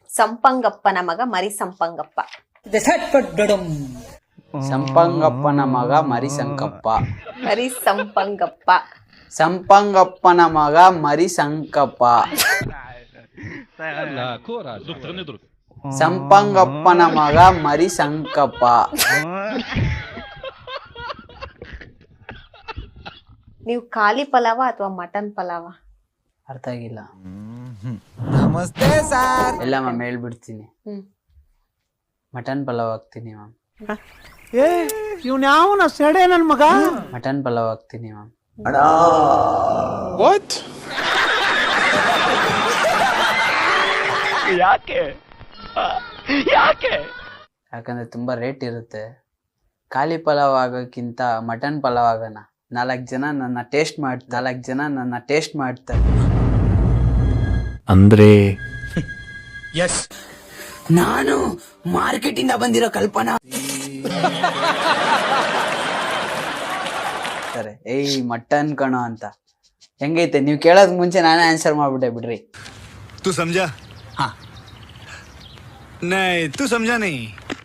ಸಂಪಂಗಪ್ಪನ ಮಗ ಮರಿ ಸಂಪಂಗಪ್ಪ. ಸಂಪಂಗಪ್ಪನ ಮಗ ಮರಿ ಸಂಕಪ್ಪ. ಮರಿ ಸಂಪಂಗಪ್ಪ. ಸಂಪಂಗಪ್ಪನ ಮಗ ಮರಿ ಸಂಕಪ್ಪ. ಸಂಪಂಗಪ್ಪನ ಮಗ ಮರಿ ಸಂಕಪ್ಪ. ನೀವು ಖಾಲಿ ಪಲಾವ ಅಥವಾ ಮಟನ್ ಪಲಾವ? ಅರ್ಥ ಆಗಿಲ್ಲ. ನಮಸ್ತೆ ಸರ್. ಎಲ್ಲ ಮ್ಯಾಮ್ ಹೇಳ್ಬಿಡ್ತೀನಿ. ಮಟನ್ ಪಲಾವ್ ಹಾಕ್ತೀನಿ ಮ್ಯಾಮ್. ಇವ್ನ ಯಾವನ ಸೆಡೆ ನನ್ ಮಗ. ಮಟನ್ ಪಲಾವ್ ಹಾಕ್ತೀನಿ ಮ್ಯಾಮ್. ವಾಟ್? ಯಾಕೆ ಯಾಕಂದ್ರೆ ತುಂಬಾ ರೇಟ್ ಇರುತ್ತೆ. ಖಾಲಿ ಪಲಾವ್ ಆಗೋಕ್ಕಿಂತ ಮಟನ್ ಪಲಾವ್ ಆಗೋಣ. 4 ಜನ ನನ್ನ ಟೇಸ್ಟ್ ಮಾಡ್ತಾರೆ. ಅಂದ್ರೆ ಎಸ್, ನಾನು ಮಾರ್ಕೆಟ್ ಇಂದ ಬಂದಿರೋ ಕಲ್ಪನಾ. ಸರಿ, ಏಯ್ ಮಟನ್ ಕಣೋ ಅಂತ ಹೆಂಗೈತೆ? ನೀವು ಕೇಳೋದ್ ಮುಂಚೆ ನಾನೇ ಆನ್ಸರ್ ಮಾಡ್ಬಿಟ್ಟೆ ಬಿಡ್ರಿ. तू समझा? हाँ नहीं तू समझा नहीं.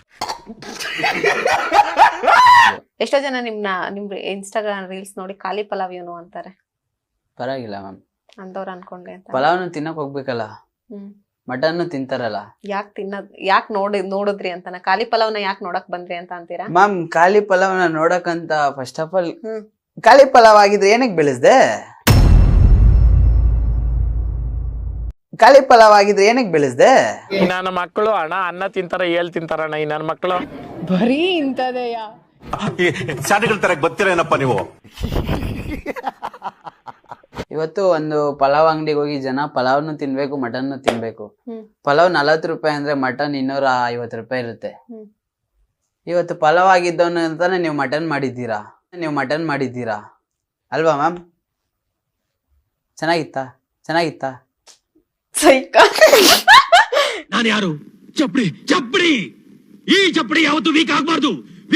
ಎಷ್ಟೋ ಜನ ನಿಮ್ ಇನ್ಸ್ಟಾಗ್ರಾಮ್ ರೀಲ್ಸ್ ನೋಡಿ ಖಾಲಿ ಪಲಾವ್ ಇವನು ಅಂತಾರೆ. ಪರವಾಗಿಲ್ಲ ಮ್ಯಾಮ್, ಅಂದವ್ರು ಅನ್ಕೊಂಡೆ ಅಂತ. ಪಲಾವ್ನು ತಿನ್ನಕ್ ಹೋಗ್ಬೇಕಲ್ಲ, ಮಟನ್ ತಿಂತಾರಲ್ಲ. ಯಾಕೆ ನೋಡಿದ್ರಿ ಅಂತಾನ? ಖಾಲಿ ಪಲಾವ್ನ ಯಾಕೆ ನೋಡಕ್ ಬಂದ್ರಿ ಅಂತ ಅಂತೀರಾ? ಮ್ಯಾಮ್, ಖಾಲಿ ಪಲಾವ್ನ ನೋಡಕ್ಕಂತ ಫಸ್ಟ್ ಆಫ್ ಆಲ್ ಖಾಲಿ ಪಲಾವ್ ಆಗಿದ್ರೆ ಏನಕ್ಕೆ ಬೆಳೆಸ್ದೆ? ಖಾಲಿ ಪಲಾವ್ ಆಗಿದ್ರೆ ಏನಕ್ಕೆ ಬೆಳೆಸ್ದೆ? ನನ್ನ ಮಕ್ಕಳು ಅನ್ನ ತಿಂತಾರ, ತಿಂತಾರಣ್ಣ ಈ ನನ್ನ ಮಕ್ಕಳು. ಬರೀ ಇಂತದೆಯಾ? ಶಾಲೆಗಳ ತರ ಗೊತ್ತಿರೇನಪ್ಪ ನೀವು. ಇವತ್ತು ಒಂದು ಪಲಾವ್ ಅಂಗಡಿಗೆ ಹೋಗಿ ಜನ ಪಲಾವ್ನು ತಿನ್ಬೇಕು, ಮಟನ್ ತಿನ್ಬೇಕು. ಪಲಾವ್ 40 ರೂಪಾಯಿ ಅಂದ್ರೆ ಮಟನ್ 250 ರೂಪಾಯಿ ಇರುತ್ತೆ. ಇವತ್ತು ಪಲಾವ್ ಆಗಿದ್ದವನು ಅಂತಾನೆ ನೀವು ಮಟನ್ ಮಾಡಿದ್ದೀರಾ ಅಲ್ವಾ ಮ್ಯಾಮ್? ಚೆನ್ನಾಗಿತ್ತಾ? ನಾನು ಯಾರು? ಚಪ್ಪಡಿ. ಈ ಚಪ್ಪಡಿ ಯಾವತ್ತು ವೀಕ್ ಆಗ್ಬಾರ್ದು.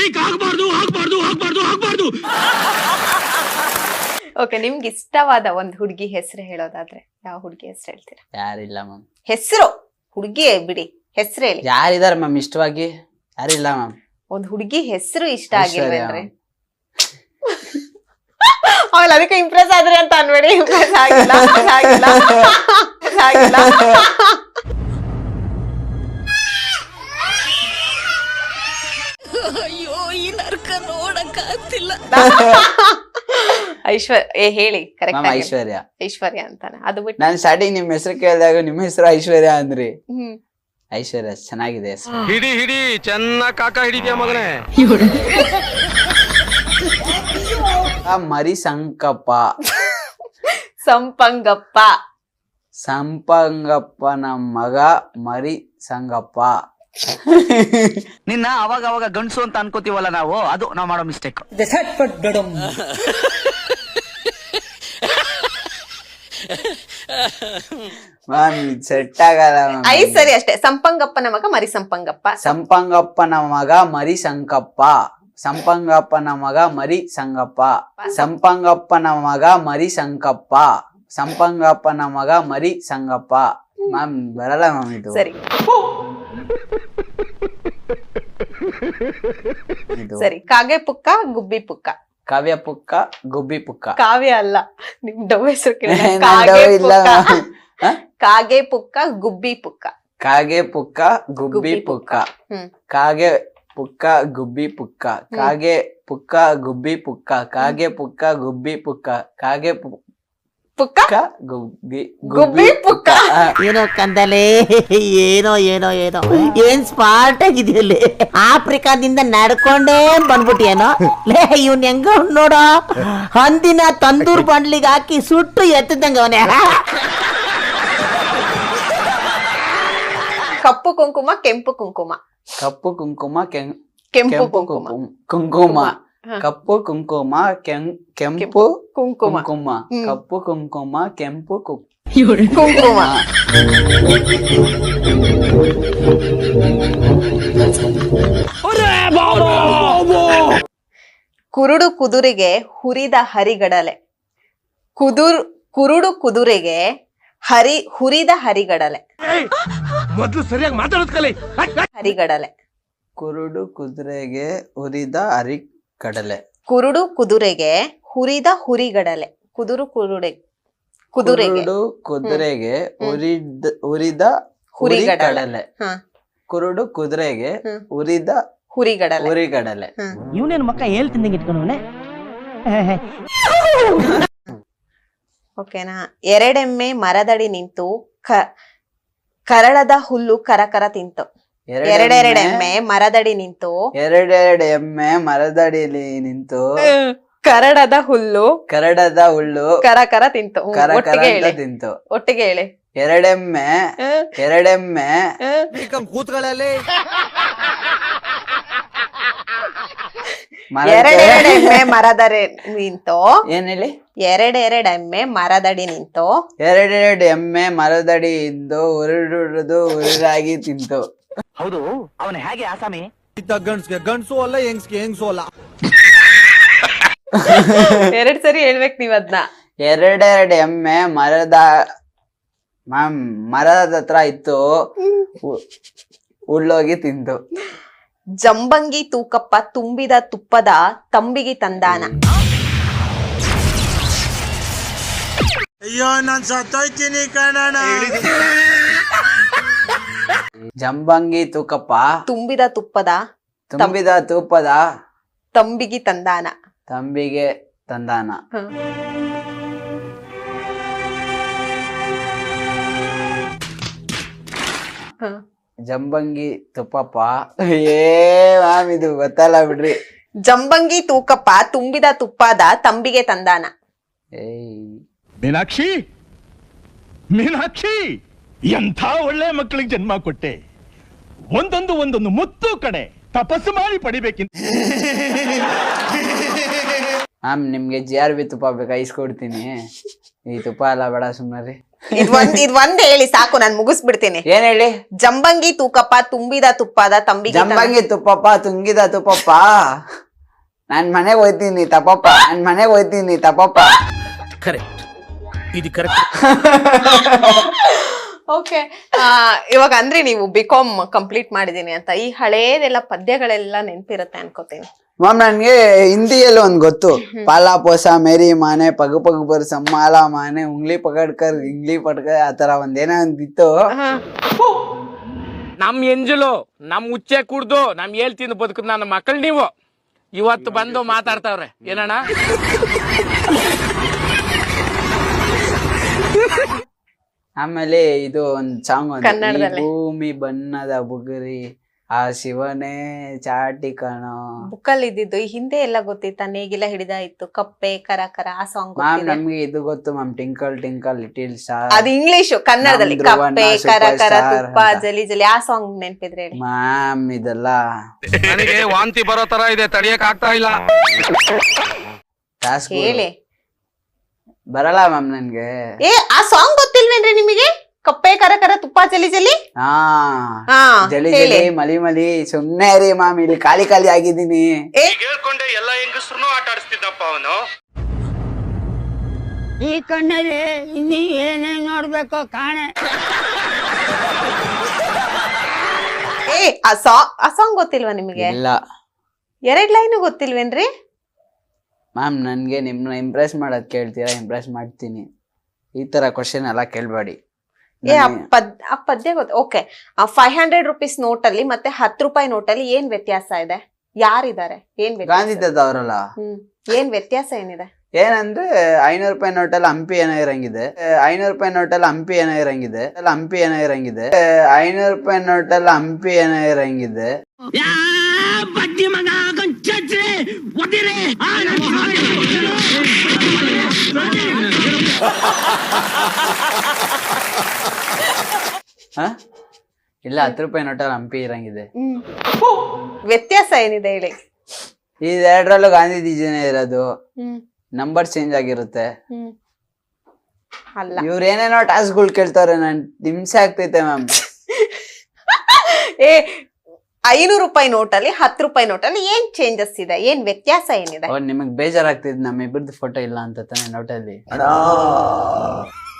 ಓಕೆ, ನಿಮ್ಗೆ ಇಷ್ಟವಾದ ಒಂದು ಹುಡುಗಿ ಹೆಸರು ಹೇಳೋದಾದ್ರೆ ಯಾವ ಹುಡುಗಿ ಹೆಸರು ಹೇಳ್ತೀರಾ? ಯಾರಿಲ್ಲ ಮ್ಯಾಮ್. ಹೆಸರು ಹುಡುಗಿ ಬಿಡಿ, ಹೆಸರು ಹೇಳಿ. ಯಾರಿದಾರೆ ಮ್ಯಾಮ್ ಇಷ್ಟವಾಗಿ? ಯಾರಿಲ್ಲ ಮ್ಯಾಮ್. ಒಂದ್ ಹುಡುಗಿ ಹೆಸರು ಇಷ್ಟ ಆಗಿಲ್ವೇನ್ರಿ? ಅವಳು ಅದಕ್ಕೆ ಇಂಪ್ರೆಸ್ ಆದ್ರಿ ಅಂತ ಅನ್ಬೇಡಿ. ಇಂಪ್ರೆಸ್ ಆಗಿಲ್ಲ. ಅಯ್ಯೋ, ಈ ನರ್ಕ ನೋಡಕ್ಕಾಗ್ತಿಲ್ಲ. ಹೇಳಿ ಕರೆಕ್ಟ್. ಐಶ್ವರ್ಯ ಅಂತಾನೆ. ಅದು ಬಿಟ್ಟು ನಾನು ಸ್ಟಾರ್ಟಿಂಗ್ ನಿಮ್ ಹೆಸರು ಕೇಳಿದಾಗ ನಿಮ್ಮ ಹೆಸರು ಐಶ್ವರ್ಯ ಅಂದ್ರಿ. ಐಶ್ವರ್ಯ ಚೆನ್ನಾಗಿದೆ ಹೆಸರು. ಹಿಡಿ ಚೆನ್ನಾಗಿ ಕಾಕ ಹಿಡಿದ್ಯಾ ಮಗನೇ. ಮರಿ ಸಂಕಪ್ಪ. ಸಂಪಂಗಪ್ಪನ ಮಗ ಮರಿ ಸಂಗಪ್ಪ. ನಿನ್ನ ಅವಾಗ ಗಂಡ್ಸು ಅಂತ ಅನ್ಕೋತೀವಲ್ಲ ನಾವು, ಅದು ನಾವು ಮಾಡೋ ಮಿಸ್ಟೇಕ್. ಸೆಟ್ ಆಗಲ್ಲ. ಸರಿ ಅಷ್ಟೇ. ಸಂಪಂಗಪ್ಪನ ಮಗ ಮರಿ ಸಂಪಂಗಪ್ಪ. ಸಂಪಂಗಪ್ಪನ ಮಗ ಮರಿ ಸಂಕಪ್ಪ. ಸಂಪಂಗಪ್ಪನ ಮಗ ಮರಿ ಸಂಗಪ್ಪ. ಸಂಪಂಗಪ್ಪನ ಮಗ ಮರಿ ಸಂಕಪ್ಪ. ಸಂಪಂಗಪ್ಪನ ಮಗ ಮರಿ ಸಂಗಪ್ಪ. ಮ್ಯಾಮ್ ಬರಲ್ಲ ಮ್ಯಾಮ್ ಇದು. ಸರಿ ಸರಿ. ಕಾಗೆ ಪುಕ್ಕ ಗುಬ್ಬಿ ಪುಕ್ಕ. ಕಾವ್ಯ ಪುಕ್ಕ ಗುಬ್ಬಿ ಪುಕ್ಕ. ಕಾವ್ಯ ಅಲ್ಲ, ನಿಮ್ ಡವ್ ಹೆಸರು ಕಾಗೆ ಪುಕ್ಕ ಗುಬ್ಬಿ ಪುಕ್ಕ. ಕಾಗೆ ಪುಕ್ಕ ಗುಬ್ಬಿ ಪುಕ್ಕ. ಕಾಗೆ ಪುಕ್ಕ ಗುಬ್ಬಿ ಪುಕ್ಕ. ಕಾಗೆ ಪುಕ್ಕ ಗುಬ್ಬಿ ಪುಕ್ಕ. ಕಾಗೆ ಪುಕ್ಕ ಗುಬ್ಬಿ ಪುಕ್ಕ. ಕಾಗೆ ಪುಕ್ಕ ಗುಬ್ಬಿ ಪುಕ್ಕ. ಏನೋ ಕಂದಲೆ, ಏನೋ ಏನ್ ಸ್ಮಾರ್ಟ್ ಆಗಿದೆಯಲ್ಲಿ. ಆಫ್ರಿಕಾದಿಂದ ನಡ್ಕೊಂಡೇ ಬಂದ್ಬಿಟ್ಟಿಯೇನೋ ಲೇ. ಇವ್ನ ಹೆಂಗ ನೋಡೋ, ಹಂದಿನ ತಂದೂರ್ ಬಂಡ್ಲಿಗೆ ಹಾಕಿ ಸುಟ್ಟು ಎತ್ತದಂಗ ಅವನೇ. ಕಪ್ಪು ಕುಂಕುಮ ಕೆಂಪು ಕುಂಕುಮ. ಕಪ್ಪು ಕುಂಕುಮ ಕೆಂಪು ಕುಂಕುಮ. ಕಪ್ಪು ಕುಂಕುಮ ಕೆಂಪು ಕುಂಕುಮ. ಕಪ್ಪು ಕುಂಕುಮ ಕೆಂಪು ಕುಂಕುಮ. ಕುರುಡು ಕುದುರೆಗೆ ಹುರಿದ ಹರಿಗಡಲೆ. ಕುರುಡು ಕುದುರೆಗೆ ಹುರಿದ ಹರಿಗಡಲೆ. ಮೊದ್ಲು ಸರಿಯಾಗಿ ಮಾತಾಡೋದ್ ಕಲಿ. ಹರಿಗಡಲೆ. ಕುರುಡು ಕುದುರೆಗೆ ಹುರಿದ ಅರಿಕಡಲೆ. ಕುರುಡು ಕುದುರೆಗೆ ಹುರಿದ ಹುರಿಗಡಲೆ. ಕುದುರೆಗೆ ಕುರುಡು ಕುದುರೆಗೆ ಹುರಿದ ಹುರಿಗಡಲೆ. ಕುರುಡು ಕುದುರೆಗೆ ಹುರಿದ ಹುರಿಗಡಲೆ. ಇವನೇನು ಮಕ್ಕ ಹೇಳ್ತಿದ್ದಂಗೆ ಇಟ್ಕೊಂಡವನೆ. ಓಕೆನಾ. ಎರಡೆಮ್ಮೆ ಮರದಡಿ ನಿಂತು ಕರಳದ ಹುಲ್ಲು ಕರಕರ ತಿಂತು. ಎರಡೆರಡೆಮ್ಮೆ ಮರದಡಿ ನಿಂತು ಎರಡೆರಡು ಎಮ್ಮೆ ಮರದಡಿಯಲ್ಲಿ ನಿಂತು ಕರಡದ ಹುಲ್ಲು ಕರಕರ ತಿಂತು. ಒಟ್ಟಿಗೆ ಹೇಳಿ. ಎರಡೆಮ್ಮೆ ಕೂತ್ಗಳಲ್ಲಿ ಎರಡೆರಡೆಮ್ಮೆ ಮರದಡಿ ನಿಂತು. ಏನ್ ಹೇಳಿ? ಎರಡೆರಡೆಮ್ಮೆ ಮರದಡಿ ನಿಂತು ಎರಡೆರಡು ಎಮ್ಮೆ ಮರದಡಿ ಇಂದು ಉರುರಾಗಿ ತಿಂತು. ಹೌದು, ಅವನು ಹೇಗೆ ಆಸಾಮಿ? ಗಂಡ್ಸ್ಗೆ ಗಂಡ್ಸು ಅಲ್ಲ, ಹೆಂಗ್ಸ್ಗೆ ಹೆಂಗ್ಸು ಅಲ್ಲ. 2 ಸರಿ ಹೇಳ್ಬೇಕು ನೀವ್ ಅದ್ನ. ಎರಡೆರಡು ಎಮ್ಮೆ ಮರದ ಹತ್ರ ಇತ್ತು, ಉಳ್ಳೋಗಿ ತಿಂತು. ಜಂಬಂಗಿ ತೂಕಪ್ಪ ತುಂಬಿದ ತುಪ್ಪದ ತಂಬಿಗೆ ತಂದಾನ. ಅಯ್ಯೋ ನಾನ್ ಸತ್ತೋಯ್ತೀನಿ ಕಣಣ್ಣ. ಜಂಬಂಗಿ ತೂಕಪ್ಪ ತುಂಬಿದ ತುಪ್ಪದ ತಂಬಿಗೆ ತಂದಾನ. ಜಂಬಂಗಿ ತುಪ್ಪಪ್ಪ ಮ್ಯಾಮ್ ಇದು ಗೊತ್ತಲ್ಲ ಬಿಡ್ರಿ. ಜಂಬಂಗಿ ತೂಕಪ್ಪ ತುಂಬಿದ ತುಪ್ಪದ ತಂಬಿಗೆ ತಂದಾನ. ಮೀನಾಕ್ಷಿ ಎಂಥ ಒಳ್ಳೆ ಮಕ್ಕಳಿಗೆ ಜನ್ಮ ಕೊಟ್ಟೆ. ಒಂದೊಂದು ಮುತ್ತು ಕಡೆ ತಪಸ್ಸು ಮಾಡಿ ಪಡಿಬೇಕಿಂತ. ಮ್ಯಾಮ್ ನಿಮ್ಗೆ GRB ತುಪ್ಪ ಬೇಕಾ? ಇಸ್ಕೊಡ್ತೀನಿ. ಈ ತುಪ್ಪ ಎಲ್ಲ ಬೇಡ, ಸುಮ್ಮನೆ. ಇದ್ ಒಂದ್ ಹೇಳಿ ಸಾಕು, ನಾನ್ ಮುಗಿಸ್ಬಿಡ್ತೀನಿ. ಏನ್ ಹೇಳಿ? ಜಂಬಂಗಿ ತೂಕಪ್ಪ ತುಂಬಿದ ತುಪ್ಪದ ತಂಬಿಗೆ. ಜಂಬಂಗಿ ತುಪ್ಪಪ್ಪ ತುಂಗಿದ ತುಪ್ಪಪ್ಪ. ನಾನ್ ಮನೆಗೆ ಹೋಯ್ತೀನಿ ತಪ್ಪಪ್ಪ. ಕರೆಕ್ಟ್, ಇದು ಕರೆಕ್ಟ್. ಓಕೆ, ಇವಾಗ ಅಂದ್ರೆ ನೀವು BCom ಕಂಪ್ಲೀಟ್ ಮಾಡಿದೀನಿ ಅಂತ ಈ ಹಳೇದೆಲ್ಲ ಪದ್ಯಗಳೆಲ್ಲ ನೆನ್ಪಿರುತ್ತೆ ಅನ್ಕೋತೀನಿ. ಮ್ಯಾಮ್ ನನ್ಗೆ ಹಿಂದಿಯಲ್ಲಿ ಒಂದ್ ಗೊತ್ತು. ಪಾಲಾ ಪೋಸ ಮೇರಿ ಮಾನೆ ಪಗು ಪಗು ಬರ್ ಸಮ್ಮಾಲ ಮಾನೆ ಉಂಗ್ಲಿ ಪಕಡ್ಕರ್ ಇಂಗ್ಲಿ ಪಡ್ಕರ್ ಆತರ ಒಂದೇನೋ ಒಂದಿತ್ತು. ನಮ್ ಎಂಜಲು ನಮ್ ಉಚ್ಚೆ ಕುಡ್ದು ನಮ್ ಹೇಳ್ತೀನಿ ಬದುಕದ್ ನನ್ನ ಮಕ್ಕಳು ನೀವು ಇವತ್ತು ಬಂದು ಮಾತಾಡ್ತಾವ್ರೆ ಏನಣ್ಣ. ಆಮೇಲೆ ಇದು ಒಂದ್ ಸಾಂಗ್ ಕನ್ನಡದಲ್ಲಿ. ಭೂಮಿ ಬಣ್ಣದ ಬುಗುರಿ ಆ ಶಿವನೇ ಚಾಟಿ ಕಣೋ. ಬುಕ್ಕಲ್ಲಿ ಇದ್ದಿದ್ದು ಈ ಹಿಂದೆ ಎಲ್ಲ ಗೊತ್ತಿತ್ತ. ನೇಗಿಲ ಹಿಡಿದಾಯ್ತು, ಕಪ್ಪೆ ಕರಕರ, ಆ ಸಾಂಗ್. ಮ್ಯಾಮ್ ನಮ್ಗೆ ಇದು ಗೊತ್ತು ma'am, twinkle twinkle little star. ಅದು ಇಂಗ್ಲಿಷ್. ಕನ್ನಡದಲ್ಲಿ ಕಪ್ಪೆ ಕರಕರ ತುಪ್ಪ ಜಲಿ ಜಲಿ, ಆ ಸಾಂಗ್ ನೆನ್ಪಿದ್ರೆ ಹೇಳಿ ಮ್ಯಾಮ್. ಇದೆಲ್ಲ ನನಗೆ ವಾಂತಿ ಬರೋ ತರ ಇದೆ, ತಡಿಯಕ್ ಆಗ್ತಾ ಇಲ್ಲ. ಹೇಳಿ. ಬರಲ್ಲ ಮ್ಯಾಮ್ ನನ್ಗೆ. ಆ ಸಾಂಗ್ ಗೊತ್ತಿಲ್ವೇನ್ರಿ ನಿಮಗೆ? ಕಪ್ಪೆ ಕರಕರ ತುಪ್ಪ ಜಲಿ ಜಲಿ. ಜಲಿ ಜಲಿ ಮಲಿ ಮಲಿ. ಸುಮ್ನೆ ರೀ ಮ್ಯಾಮ್, ಇಲ್ಲಿ ಖಾಲಿ ಆಗಿದ್ದೀನಿ. ಹೇಳ್ಕೊಂಡೆ ಎಲ್ಲ ಹೆಂಗಸ್ರು ಆಟ ಆಡಿಸ್ತಿದ್ದಪ್ಪ ಅವನು. ಈ ಕಣ್ಣಲ್ಲಿ ಇನ್ನೀ ಏನೇನ್ ನೋಡ್ಬೇಕು ಕಾಣೆ. ಆ ಸಾಂಗ್ ಗೊತ್ತಿಲ್ವಾ ನಿಮಗೆ? ಇಲ್ಲ. 2 ಲೈನು ಗೊತ್ತಿಲ್ವೇನ್ರಿ? ಮ್ಯಾಮ್ ನನ್ಗೆ ನಿಮ್ನ ಇಂಪ್ರೆಸ್ ಮಾಡೋದ್ ಕೇಳ್ತೀರಾ? ಇಂಪ್ರೆಸ್ ಮಾಡ್ತೀನಿ. ಈ ತರ ಕ್ವಶನ್ ಎಲ್ಲ ಕೇಳ್ಬೇಡಿ. ಆ ಪದ್ಯ ಗೊತ್ತ. ಓಕೆ, 500 ರೂಪೀಸ್ ನೋಟಲ್ಲಿ ಮತ್ತೆ 10 ರೂಪಾಯಿ ನೋಟಲ್ಲಿ ಏನ್ ವ್ಯತ್ಯಾಸ ಇದೆ? ಯಾರಿದ್ದಾರೆ? ಏನ್ ಗಾಂಧಿ ತಾತ ಅವರಲ್ಲ. ಏನ್ ವ್ಯತ್ಯಾಸ ಏನಿದೆ? ಏನಂದ್ರೆ 500 ರೂಪಾಯಿ ನೋಟಲ್ಲಿ ಹಂಪಿ ಏನೋ ಇರಂಗಿದೆ. 500 ರೂಪಾಯಿ ನೋಟಲ್ಲಿ ಹಂಪಿ ಏನೋ ಇರಂಗಿದೆ. 500 ರೂಪಾಯಿ ನೋಟಲ್ಲಿ ಹಂಪಿ ಏನೋ ಇರಂಗಿದೆ. ಇಲ್ಲ 10 ರೂಪಾಯಿ ನೋಟಲ್ಲಿ ಹಂಪಿ ಇರಂಗಿದೆ. ವ್ಯತ್ಯಾಸ ಏನಿದೆ ಹೇಳಿ? ಇದೆರಡರಲ್ಲೂ ಗಾಂಧೀಜಿನೇ ಇರೋದು. ನಂಬರ್ ಚೇಂಜ್ ಆಗಿರುತ್ತೆ. ಅಲ್ಲ, ಇವ್ರ ಏನೇನೋ ಟಾಸ್ಕ್ಗಳು ಕೇಳ್ತಾವ್ರೆ, ನನ್ ಹಿಂಸೆ ಆಗ್ತೈತೆ ಮ್ಯಾಮ್. 500 ರೂಪಾಯಿ ನೋಟಲ್ಲಿ 10 ರೂಪಾಯಿ ನೋಟಲ್ಲಿ ಏನ್ ಚೇಂಜಸ್ ಇದೆ? ಏನ್ ವ್ಯತ್ಯಾಸ ಏನಿದೆ? ನಿಮಗ್ ಬೇಜಾರಾಗ್ತಿದ್ ನಮ್ ಇಬ್ಬರದ್ದು ಫೋಟೋ ಇಲ್ಲ ಅಂತ ತಾನೆ ನೋಟಲ್ಲಿ.